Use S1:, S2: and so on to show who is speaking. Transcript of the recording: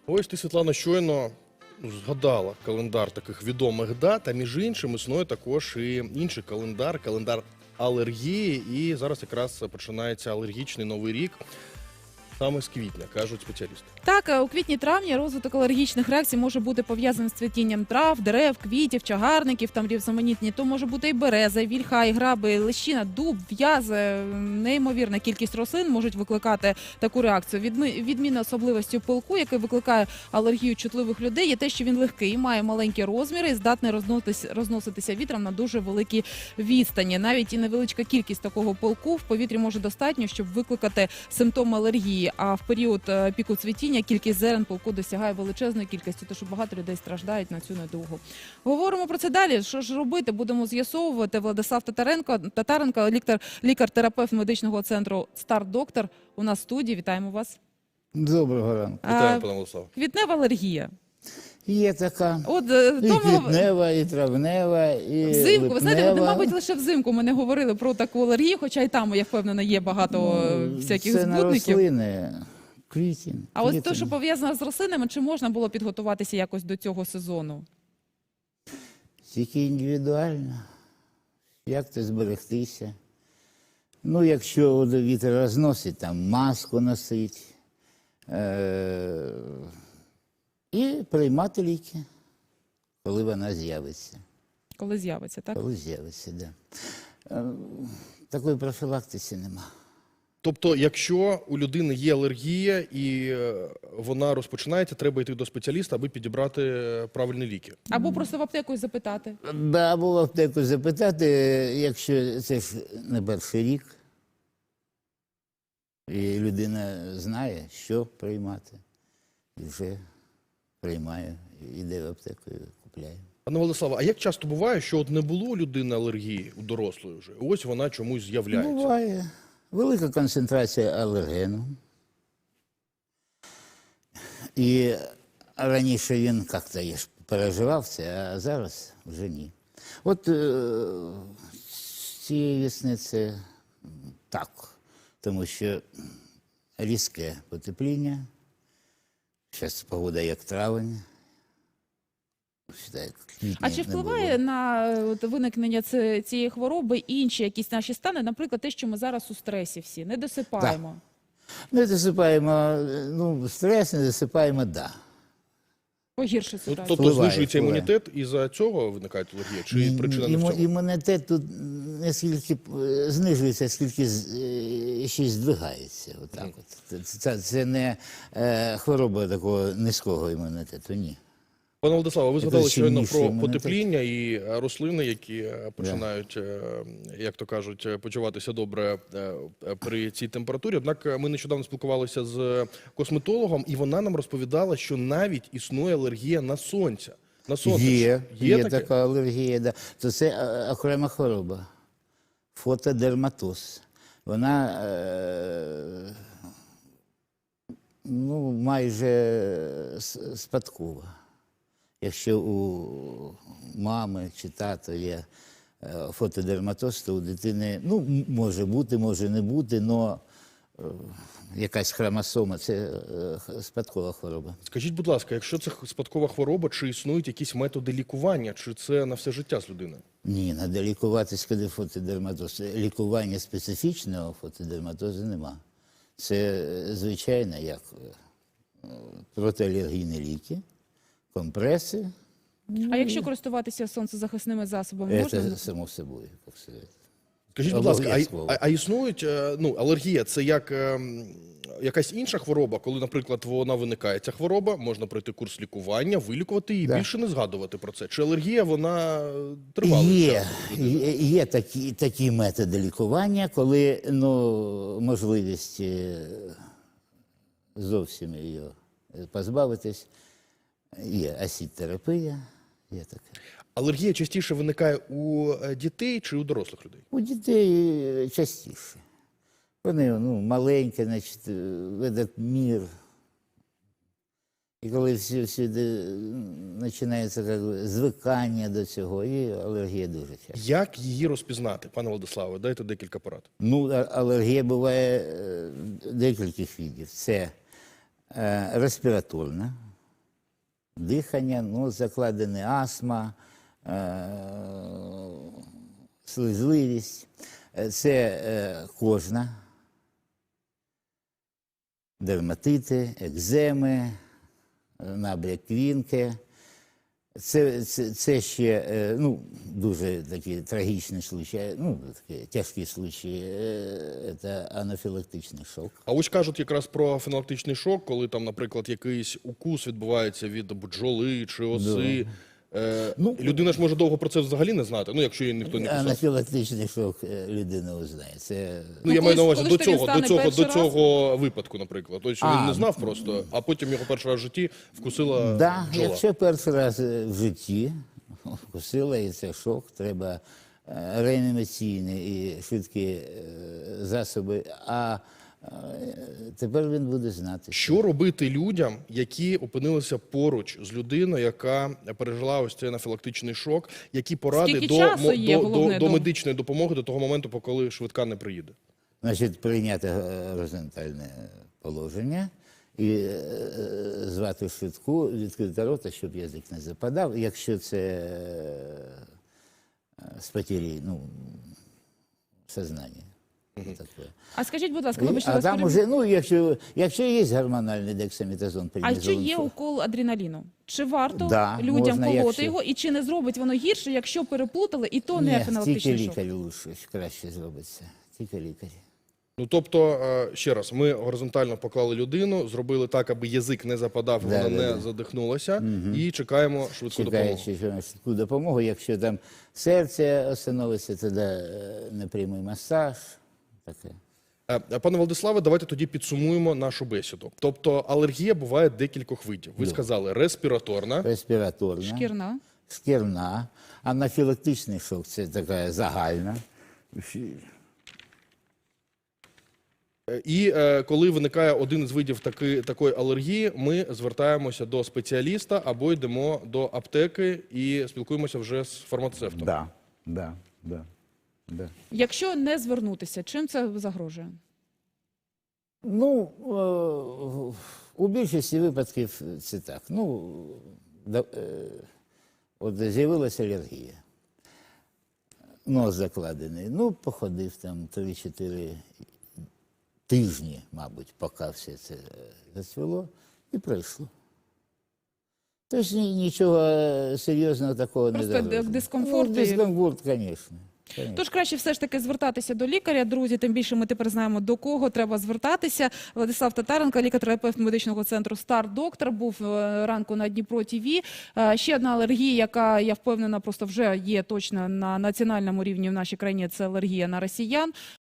S1: Ось ти, Світлана, щойно згадала календар таких відомих дат, а між іншим існує також і інший календар алергії. І зараз якраз починається алергічний новий рік. Саме з квітня, кажуть спеціалісти.
S2: Так, у квітні-травні розвиток алергічних реакцій може бути пов'язаний з цвітінням трав, дерев, квітів, чагарників, там різноманітні. То може бути і береза, і вільха, і граби, і лещина, дуб, в'язи. Неймовірна кількість рослин можуть викликати таку реакцію. Відмінною особливістю пилку, який викликає алергію чутливих людей, є те, що він легкий, має маленькі розміри і здатний розноситися вітром на дуже великі відстані. Навіть і невеличка кількість такого пилку в повітрі може достатньо, щоб викликати симптоми алергії. А в період піку цвітіння кількість зерен пилку досягає величезної кількості, тож багато людей страждають на цю недугу. Говоримо про це далі. Що ж робити? Будемо з'ясовувати. Владислав Татаренко, лікар-терапевт медичного центру «Стар-доктор» у нас в студії. Вітаємо вас.
S3: Доброго ранку.
S1: Вітаю, пане Владислав.
S2: Квітнева алергія.
S3: Є така.
S2: От,
S3: і квітнева, і травнева, і
S2: взимку.
S3: липнева.
S2: Ви знаєте, мабуть, лише взимку ми не говорили про таку алергію, хоча й там, я впевнена, є багато всяких
S3: це
S2: збудників.
S3: Це на рослини, квітень.
S2: А ось те, що пов'язано з рослинами, чи можна було підготуватися якось до цього сезону?
S3: Тільки індивідуально. Як то зберегтися? Ну, якщо вітер розносить, там маску носить. І приймати ліки, коли вона з'явиться.
S2: Коли з'явиться, так?
S3: Коли з'явиться, так. Да. Такої профілактики нема.
S1: Тобто, якщо у людини є алергія і вона розпочинається, треба йти до спеціаліста, аби підібрати правильні ліки.
S2: Або просто в аптеку запитати.
S3: Да, або в аптеку запитати, якщо це ж не перший рік, і людина знає, що приймати, і вже приймає, йде в аптеку і купляє.
S1: Пане Владиславе, а як часто буває, що от не було у людини алергії, у дорослої вже, і ось вона чомусь з'являється?
S3: Буває. Велика концентрація алергену. І раніше він як-то переживав це, а зараз вже ні. От цієї весни це так, тому що різке потепління, зараз погода як травень.
S2: А чи впливає на виникнення цієї хвороби інші якісь наші стани, наприклад, те, що ми зараз у стресі всі, не досипаємо?
S3: Так. Не досипаємо, стрес не досипаємо, да.
S2: Погірше ситуацію.
S1: Тобто знижується імунітет, і за цього виникає алергія? Чи причина не в цьому?
S3: Імунітет тут не скільки знижується, скільки ще й здвигається. Отак от. Це не хвороба такого низького імунітету, ні.
S1: Пане Владиславе, ви згадали щойно про потепління і рослини, які починають, як то кажуть, почуватися добре при цій температурі. Однак ми нещодавно спілкувалися з косметологом, і вона нам розповідала, що навіть існує алергія на сонце. На сонце.
S3: Є така алергія, да. То це окрема хвороба. Фотодерматоз. Вона майже спадкова. Якщо у мами чи тата є фотодерматоз, то у дитини, може бути, може не бути, але якась хромосома – це спадкова хвороба.
S1: Скажіть, будь ласка, якщо це спадкова хвороба, чи існують якісь методи лікування, чи це на все життя з людиною?
S3: Ні, треба лікуватись, коли фотодерматоз. Лікування специфічного фотодерматозу нема. Це звичайно, як протиалергійні ліки. Компреси.
S2: А якщо користуватися сонцезахисними засобами, можна?
S3: Це само собою, як сказати.
S1: Скажіть, будь ласка, а існують, алергія – це як якась інша хвороба, коли, наприклад, вона виникає, ця хвороба, можна пройти курс лікування, вилікувати і більше не згадувати про це? Чи алергія, вона тривалий час?
S3: Є такі методи лікування, коли можливість зовсім її позбавитись. Є асід-терапія, є таке.
S1: Алергія частіше виникає у дітей чи у дорослих людей?
S3: У дітей частіше. Вони маленькі, значить, ведуть мір. І коли всюди починається звикання до цього, і алергія дуже часто.
S1: Як її розпізнати, пане Владиславе? Дайте декілька порад.
S3: Алергія буває декількох видів. Це респіраторна, дихання, ну, закладена астма, слизливість. Це кожна, дерматити, екземи, набряк квінки. Це ще ну, дуже такі трагічні случаї, ну, такі тяжкі случаї, це анафілактичний шок.
S1: А ось кажуть якраз про анафілактичний шок, коли там, наприклад, якийсь укус відбувається від бджоли чи оси.
S3: Ну,
S1: Людина ж може довго про це взагалі не знати, ну, якщо їй ніхто не писав.
S3: Анафілактичний шок людина узнає. Це...
S1: Ну, я маю на увазі
S2: коли ж тобі стане
S1: до цього випадку, наприклад. Ось, що він не знав просто, а потім його перший раз в житті вкусила
S3: Да,
S1: бджола.
S3: якщо перший раз в житті вкусила, і це шок, треба реанімаційні і швидкі засоби, а тепер він буде знати.
S1: Що робити людям, які опинилися поруч з людиною, яка пережила ось цей анафілактичний шок, які поради
S2: Скільки часу є, головне,
S1: до медичної допомоги до того моменту, поки швидка не приїде?
S3: Значить, прийняти горизонтальне положення і звати швидку, відкрити рота, щоб язик не западав. Якщо це з потері, ну, сознання. Таке.
S2: А скажіть, будь ласка, вибачте,
S3: А
S2: вас
S3: там
S2: переб'ю.
S3: уже, ну, якщо є гормональний дексаметазон,
S2: А чи
S3: преднізолон,
S2: є укол адреналіну? Чи варто
S3: Да,
S2: людям
S3: можна,
S2: колоти
S3: якщо-
S2: його, і чи не зробить воно гірше, якщо переплутали, і то не
S3: ні, тільки
S2: анафілактичний шок?
S3: лікарю лучше, краще зробиться. Тільки лікарі.
S1: Ну, тобто, ще раз, ми горизонтально поклали людину, зробили так, аби язик не западав, вона не задихнулася, і чекаємо швидку допомогу.
S3: Чекаючи швидку допомогу, якщо там серце остановиться, тоді непрямий масаж. Таке.
S1: Пане Владиславе, давайте тоді підсумуємо нашу бесіду. Тобто алергія буває декількох видів. Ви сказали респіраторна,
S3: Респіраторна,
S2: Шкірна.
S3: шкірна, анафілактичний шок – це така загальна.
S1: і коли виникає один із видів такої алергії, ми звертаємося до спеціаліста або йдемо до аптеки і спілкуємося вже з фармацевтом.
S3: Да.
S2: Якщо не звернутися, чим це загрожує?
S3: Ну, у більшості випадків це так. Ну, от з'явилася алергія. Нос закладений. Ну, походив там 3-4 тижні, мабуть, поки все це зацвіло, і пройшло. Тож нічого серйозного такого
S2: Просто
S3: не загрожує.
S2: дискомфорт і-
S3: Дискомфорт, звісно.
S2: Тож краще все ж таки звертатися до лікаря, друзі, тим більше ми тепер знаємо, до кого треба звертатися. Владислав Татаренко, лікар-терапевт медичного центру «Стар-Доктор», був ранку на Дніпро ТВ. Ще одна алергія, яка, я впевнена, просто вже є точно на національному рівні в нашій країні, це алергія на росіян.